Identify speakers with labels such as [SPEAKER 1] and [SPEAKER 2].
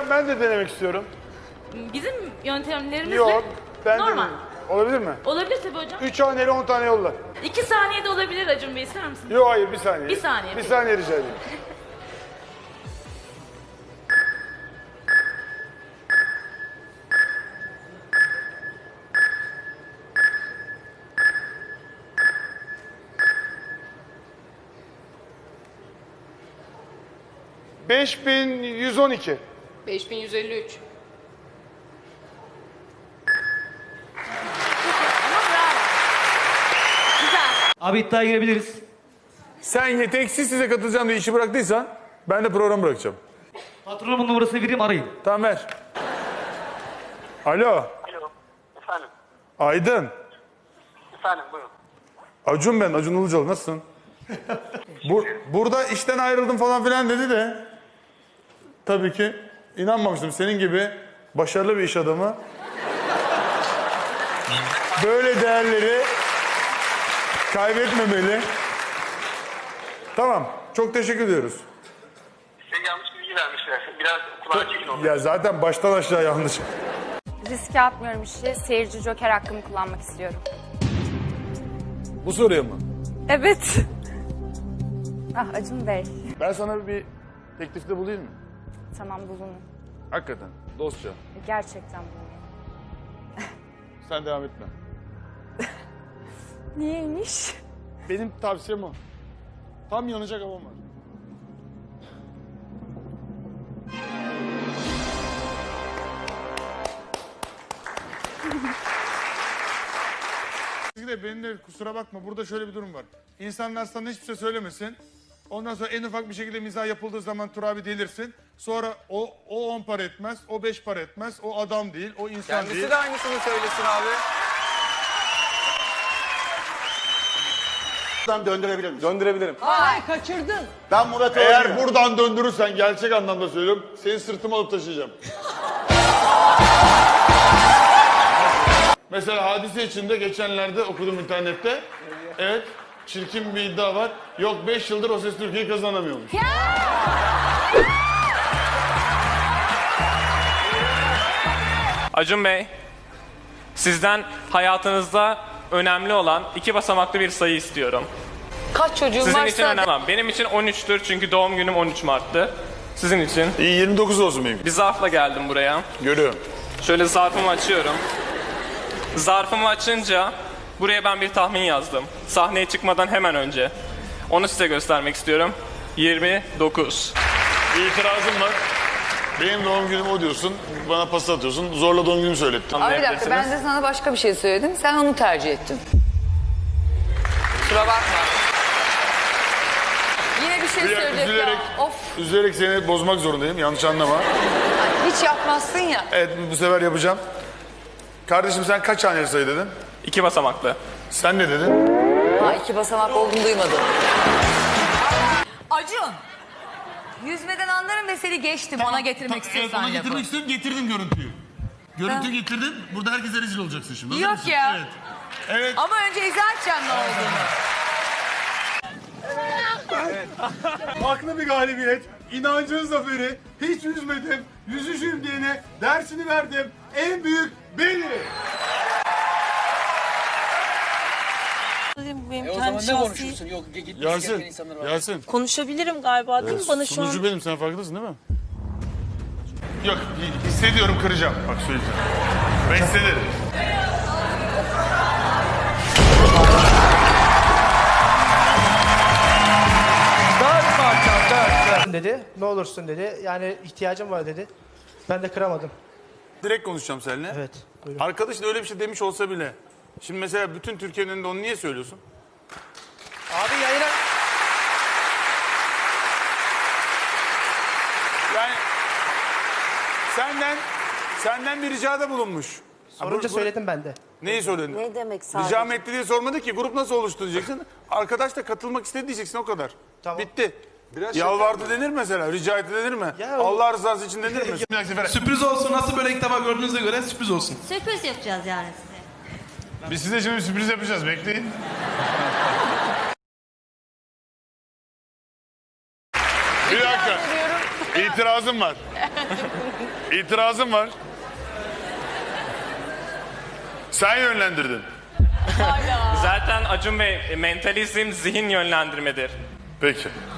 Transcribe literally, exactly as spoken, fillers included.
[SPEAKER 1] ben de denemek istiyorum.
[SPEAKER 2] Bizim yöntemlerimizle
[SPEAKER 1] Yok. Ben
[SPEAKER 2] normal.
[SPEAKER 1] de olabilir mi?
[SPEAKER 2] Olabilir tabii hocam.
[SPEAKER 1] Üç haneli on tane yolla.
[SPEAKER 2] İki saniyede olabilir Acun Bey, ister misiniz?
[SPEAKER 1] Yok hayır bir saniye.
[SPEAKER 2] Bir saniye,
[SPEAKER 1] Bir
[SPEAKER 2] peki.
[SPEAKER 1] saniye rica edeyim. Beş bin yüz on iki.
[SPEAKER 3] beş bin yüz elli üç.
[SPEAKER 2] Ama bravo. Güzel.
[SPEAKER 4] Abi iddiaya girebiliriz.
[SPEAKER 1] Sen yeteneksiz size katılacağım diye işi bıraktıysan ben de programı bırakacağım.
[SPEAKER 4] Patronumun numarasını vereyim, arayın.
[SPEAKER 1] Tamam ver. Alo.
[SPEAKER 5] Alo, efendim.
[SPEAKER 1] Aydın.
[SPEAKER 5] Efendim, buyurun.
[SPEAKER 1] Acun ben, Acun Ilıcalı. Nasılsın? Bur burada işten ayrıldım falan filan dedi de tabii ki inanmamıştım. Senin gibi başarılı bir iş adamı böyle değerleri kaybetmemeli. Tamam. Çok teşekkür ediyoruz.
[SPEAKER 5] Size yanlış bilgi vermişler. Biraz kulağa çekin oldu.
[SPEAKER 1] Ya zaten baştan aşağı yanlış.
[SPEAKER 6] Riske atmıyorum işi. Seyirci joker hakkımı kullanmak istiyorum.
[SPEAKER 1] Bu soruya mı?
[SPEAKER 6] Evet. Ah Acun Bey.
[SPEAKER 1] Ben sana bir teklifte bulayım mı?
[SPEAKER 6] Tamam bulunun.
[SPEAKER 1] Hakikaten. Dostça.
[SPEAKER 6] Gerçekten bulunun.
[SPEAKER 1] Sen devam etme.
[SPEAKER 6] Niyeymiş?
[SPEAKER 1] Benim tavsiyem o. Tam yanacak havam var. de benim de kusura bakma, burada şöyle bir durum var. İnsanlar sana hiçbir şey söylemesin. Ondan sonra en ufak bir şekilde mizah yapıldığı zaman Turabi delirsin. Sonra o o on para etmez, o beş para etmez, o adam değil, o insan
[SPEAKER 7] Kendisi
[SPEAKER 1] değil.
[SPEAKER 7] de aynısını söylesin abi.
[SPEAKER 8] Buradan döndürebilir misin?
[SPEAKER 7] Döndürebilirim.
[SPEAKER 3] Ay kaçırdın.
[SPEAKER 8] Ben Murat'ı
[SPEAKER 1] Eğer
[SPEAKER 8] arıyorum.
[SPEAKER 1] buradan döndürürsen gerçek anlamda söylüyorum, seni sırtıma alıp taşıyacağım. Mesela hadise içinde geçenlerde okudum internette. Evet, çirkin bir iddia var. Yok beş yıldır O Ses Türkiye'yi kazanamıyormuş.
[SPEAKER 9] Acun Bey, sizden hayatınızda önemli olan iki basamaklı bir sayı istiyorum.
[SPEAKER 3] Kaç çocuğun
[SPEAKER 9] Sizin
[SPEAKER 3] varsa...
[SPEAKER 9] için önemli. Benim için on üçtür çünkü doğum günüm on üç Mart'tı. Sizin için.
[SPEAKER 1] İyi, yirmi dokuz olsun benim.
[SPEAKER 9] Bir zarfla geldim buraya.
[SPEAKER 1] Görüyorum.
[SPEAKER 9] Şöyle zarfımı açıyorum. Zarfımı açınca buraya ben bir tahmin yazdım. Sahneye çıkmadan hemen önce. Onu size göstermek istiyorum. yirmi dokuz.
[SPEAKER 1] İtirazım var. Benim doğum günüm o diyorsun, bana pasta atıyorsun, zorla doğum günümü söylettin.
[SPEAKER 3] Abi bir dakika, ben de sana başka bir şey söyledim. Sen onu tercih ettin. Kusura bakma. Yine bir şey
[SPEAKER 1] Bir dakika,
[SPEAKER 3] söyleyecek
[SPEAKER 1] üzülerek,
[SPEAKER 3] ya. Of.
[SPEAKER 1] üzülerek seni bozmak zorundayım, yanlış anlama.
[SPEAKER 3] Hiç yapmazsın ya.
[SPEAKER 1] Evet, bu sefer yapacağım. Kardeşim sen kaç haneli sayı dedin?
[SPEAKER 9] İki basamaklı.
[SPEAKER 1] Sen ne dedin?
[SPEAKER 3] Ha, iki basamak olduğunu duymadım.
[SPEAKER 10] Acun. Yüzmeden anlarım ve seni geçtim ona getirmek istiyorsan
[SPEAKER 1] ona
[SPEAKER 10] lafı.
[SPEAKER 1] getirmek istiyorum, getirdim görüntüyü. Görüntü getirdim, burada herkese rezil olacaksın şimdi. Hazır
[SPEAKER 10] Yok
[SPEAKER 1] mısın?
[SPEAKER 10] ya.
[SPEAKER 1] Evet. Evet.
[SPEAKER 10] Ama önce izah edeceğim ne olduğunu.
[SPEAKER 1] Haklı bir galibiyet, inancın zaferi, hiç yüzmedim, yüzüşüm diyene dersini verdim, en büyük benim.
[SPEAKER 10] Benim
[SPEAKER 7] E o zaman ne konuşursun? Yok gitmiş
[SPEAKER 1] Yasin,
[SPEAKER 7] gelen insanlar var.
[SPEAKER 1] Yasin.
[SPEAKER 10] Konuşabilirim galiba değil mi bana şu an?
[SPEAKER 1] Sunucu benim, sen farkındasın değil mi? Yok, hissediyorum, kıracağım. Bak söyleyeceğim. Ben hissederim.
[SPEAKER 11] dedi. Ne olursun dedi. Yani ihtiyacım var dedi. Ben de kıramadım.
[SPEAKER 1] Direkt konuşacağım seninle.
[SPEAKER 11] Evet. Buyurun.
[SPEAKER 1] Arkadaş da öyle bir şey demiş olsa bile. Şimdi mesela bütün Türkiye'nin önünde onu niye söylüyorsun?
[SPEAKER 11] Abi yayına...
[SPEAKER 1] Yani senden senden bir ricada bulunmuş.
[SPEAKER 11] Sorunca
[SPEAKER 1] Ha, bu- bu-
[SPEAKER 11] söyledim ben de.
[SPEAKER 1] Neyi söyledin?
[SPEAKER 10] Ne demek sadece?
[SPEAKER 1] Rica mı etti diye sormadı ki. Grup nasıl oluştu diyeceksin. Arkadaş da katılmak istedi diyeceksin, o kadar.
[SPEAKER 11] Tamam.
[SPEAKER 1] Bitti. Yalvardı denir mesela. Rica etti denir mi?
[SPEAKER 11] Ya o-
[SPEAKER 1] Allah rızası için denir mi? Bir dahaki sefere-
[SPEAKER 4] Sürpriz olsun. Nasıl böyle ilk defa gördüğünüze göre sürpriz olsun.
[SPEAKER 10] Sürpriz yapacağız yani size.
[SPEAKER 1] Biz size şimdi bir sürpriz yapacağız. Bekleyin. bir dakika. İt,
[SPEAKER 8] İtirazım var. İtirazım var. Sen yönlendirdin.
[SPEAKER 9] Zaten Acun Bey, mentalizm zihin yönlendirmedir.
[SPEAKER 8] Peki.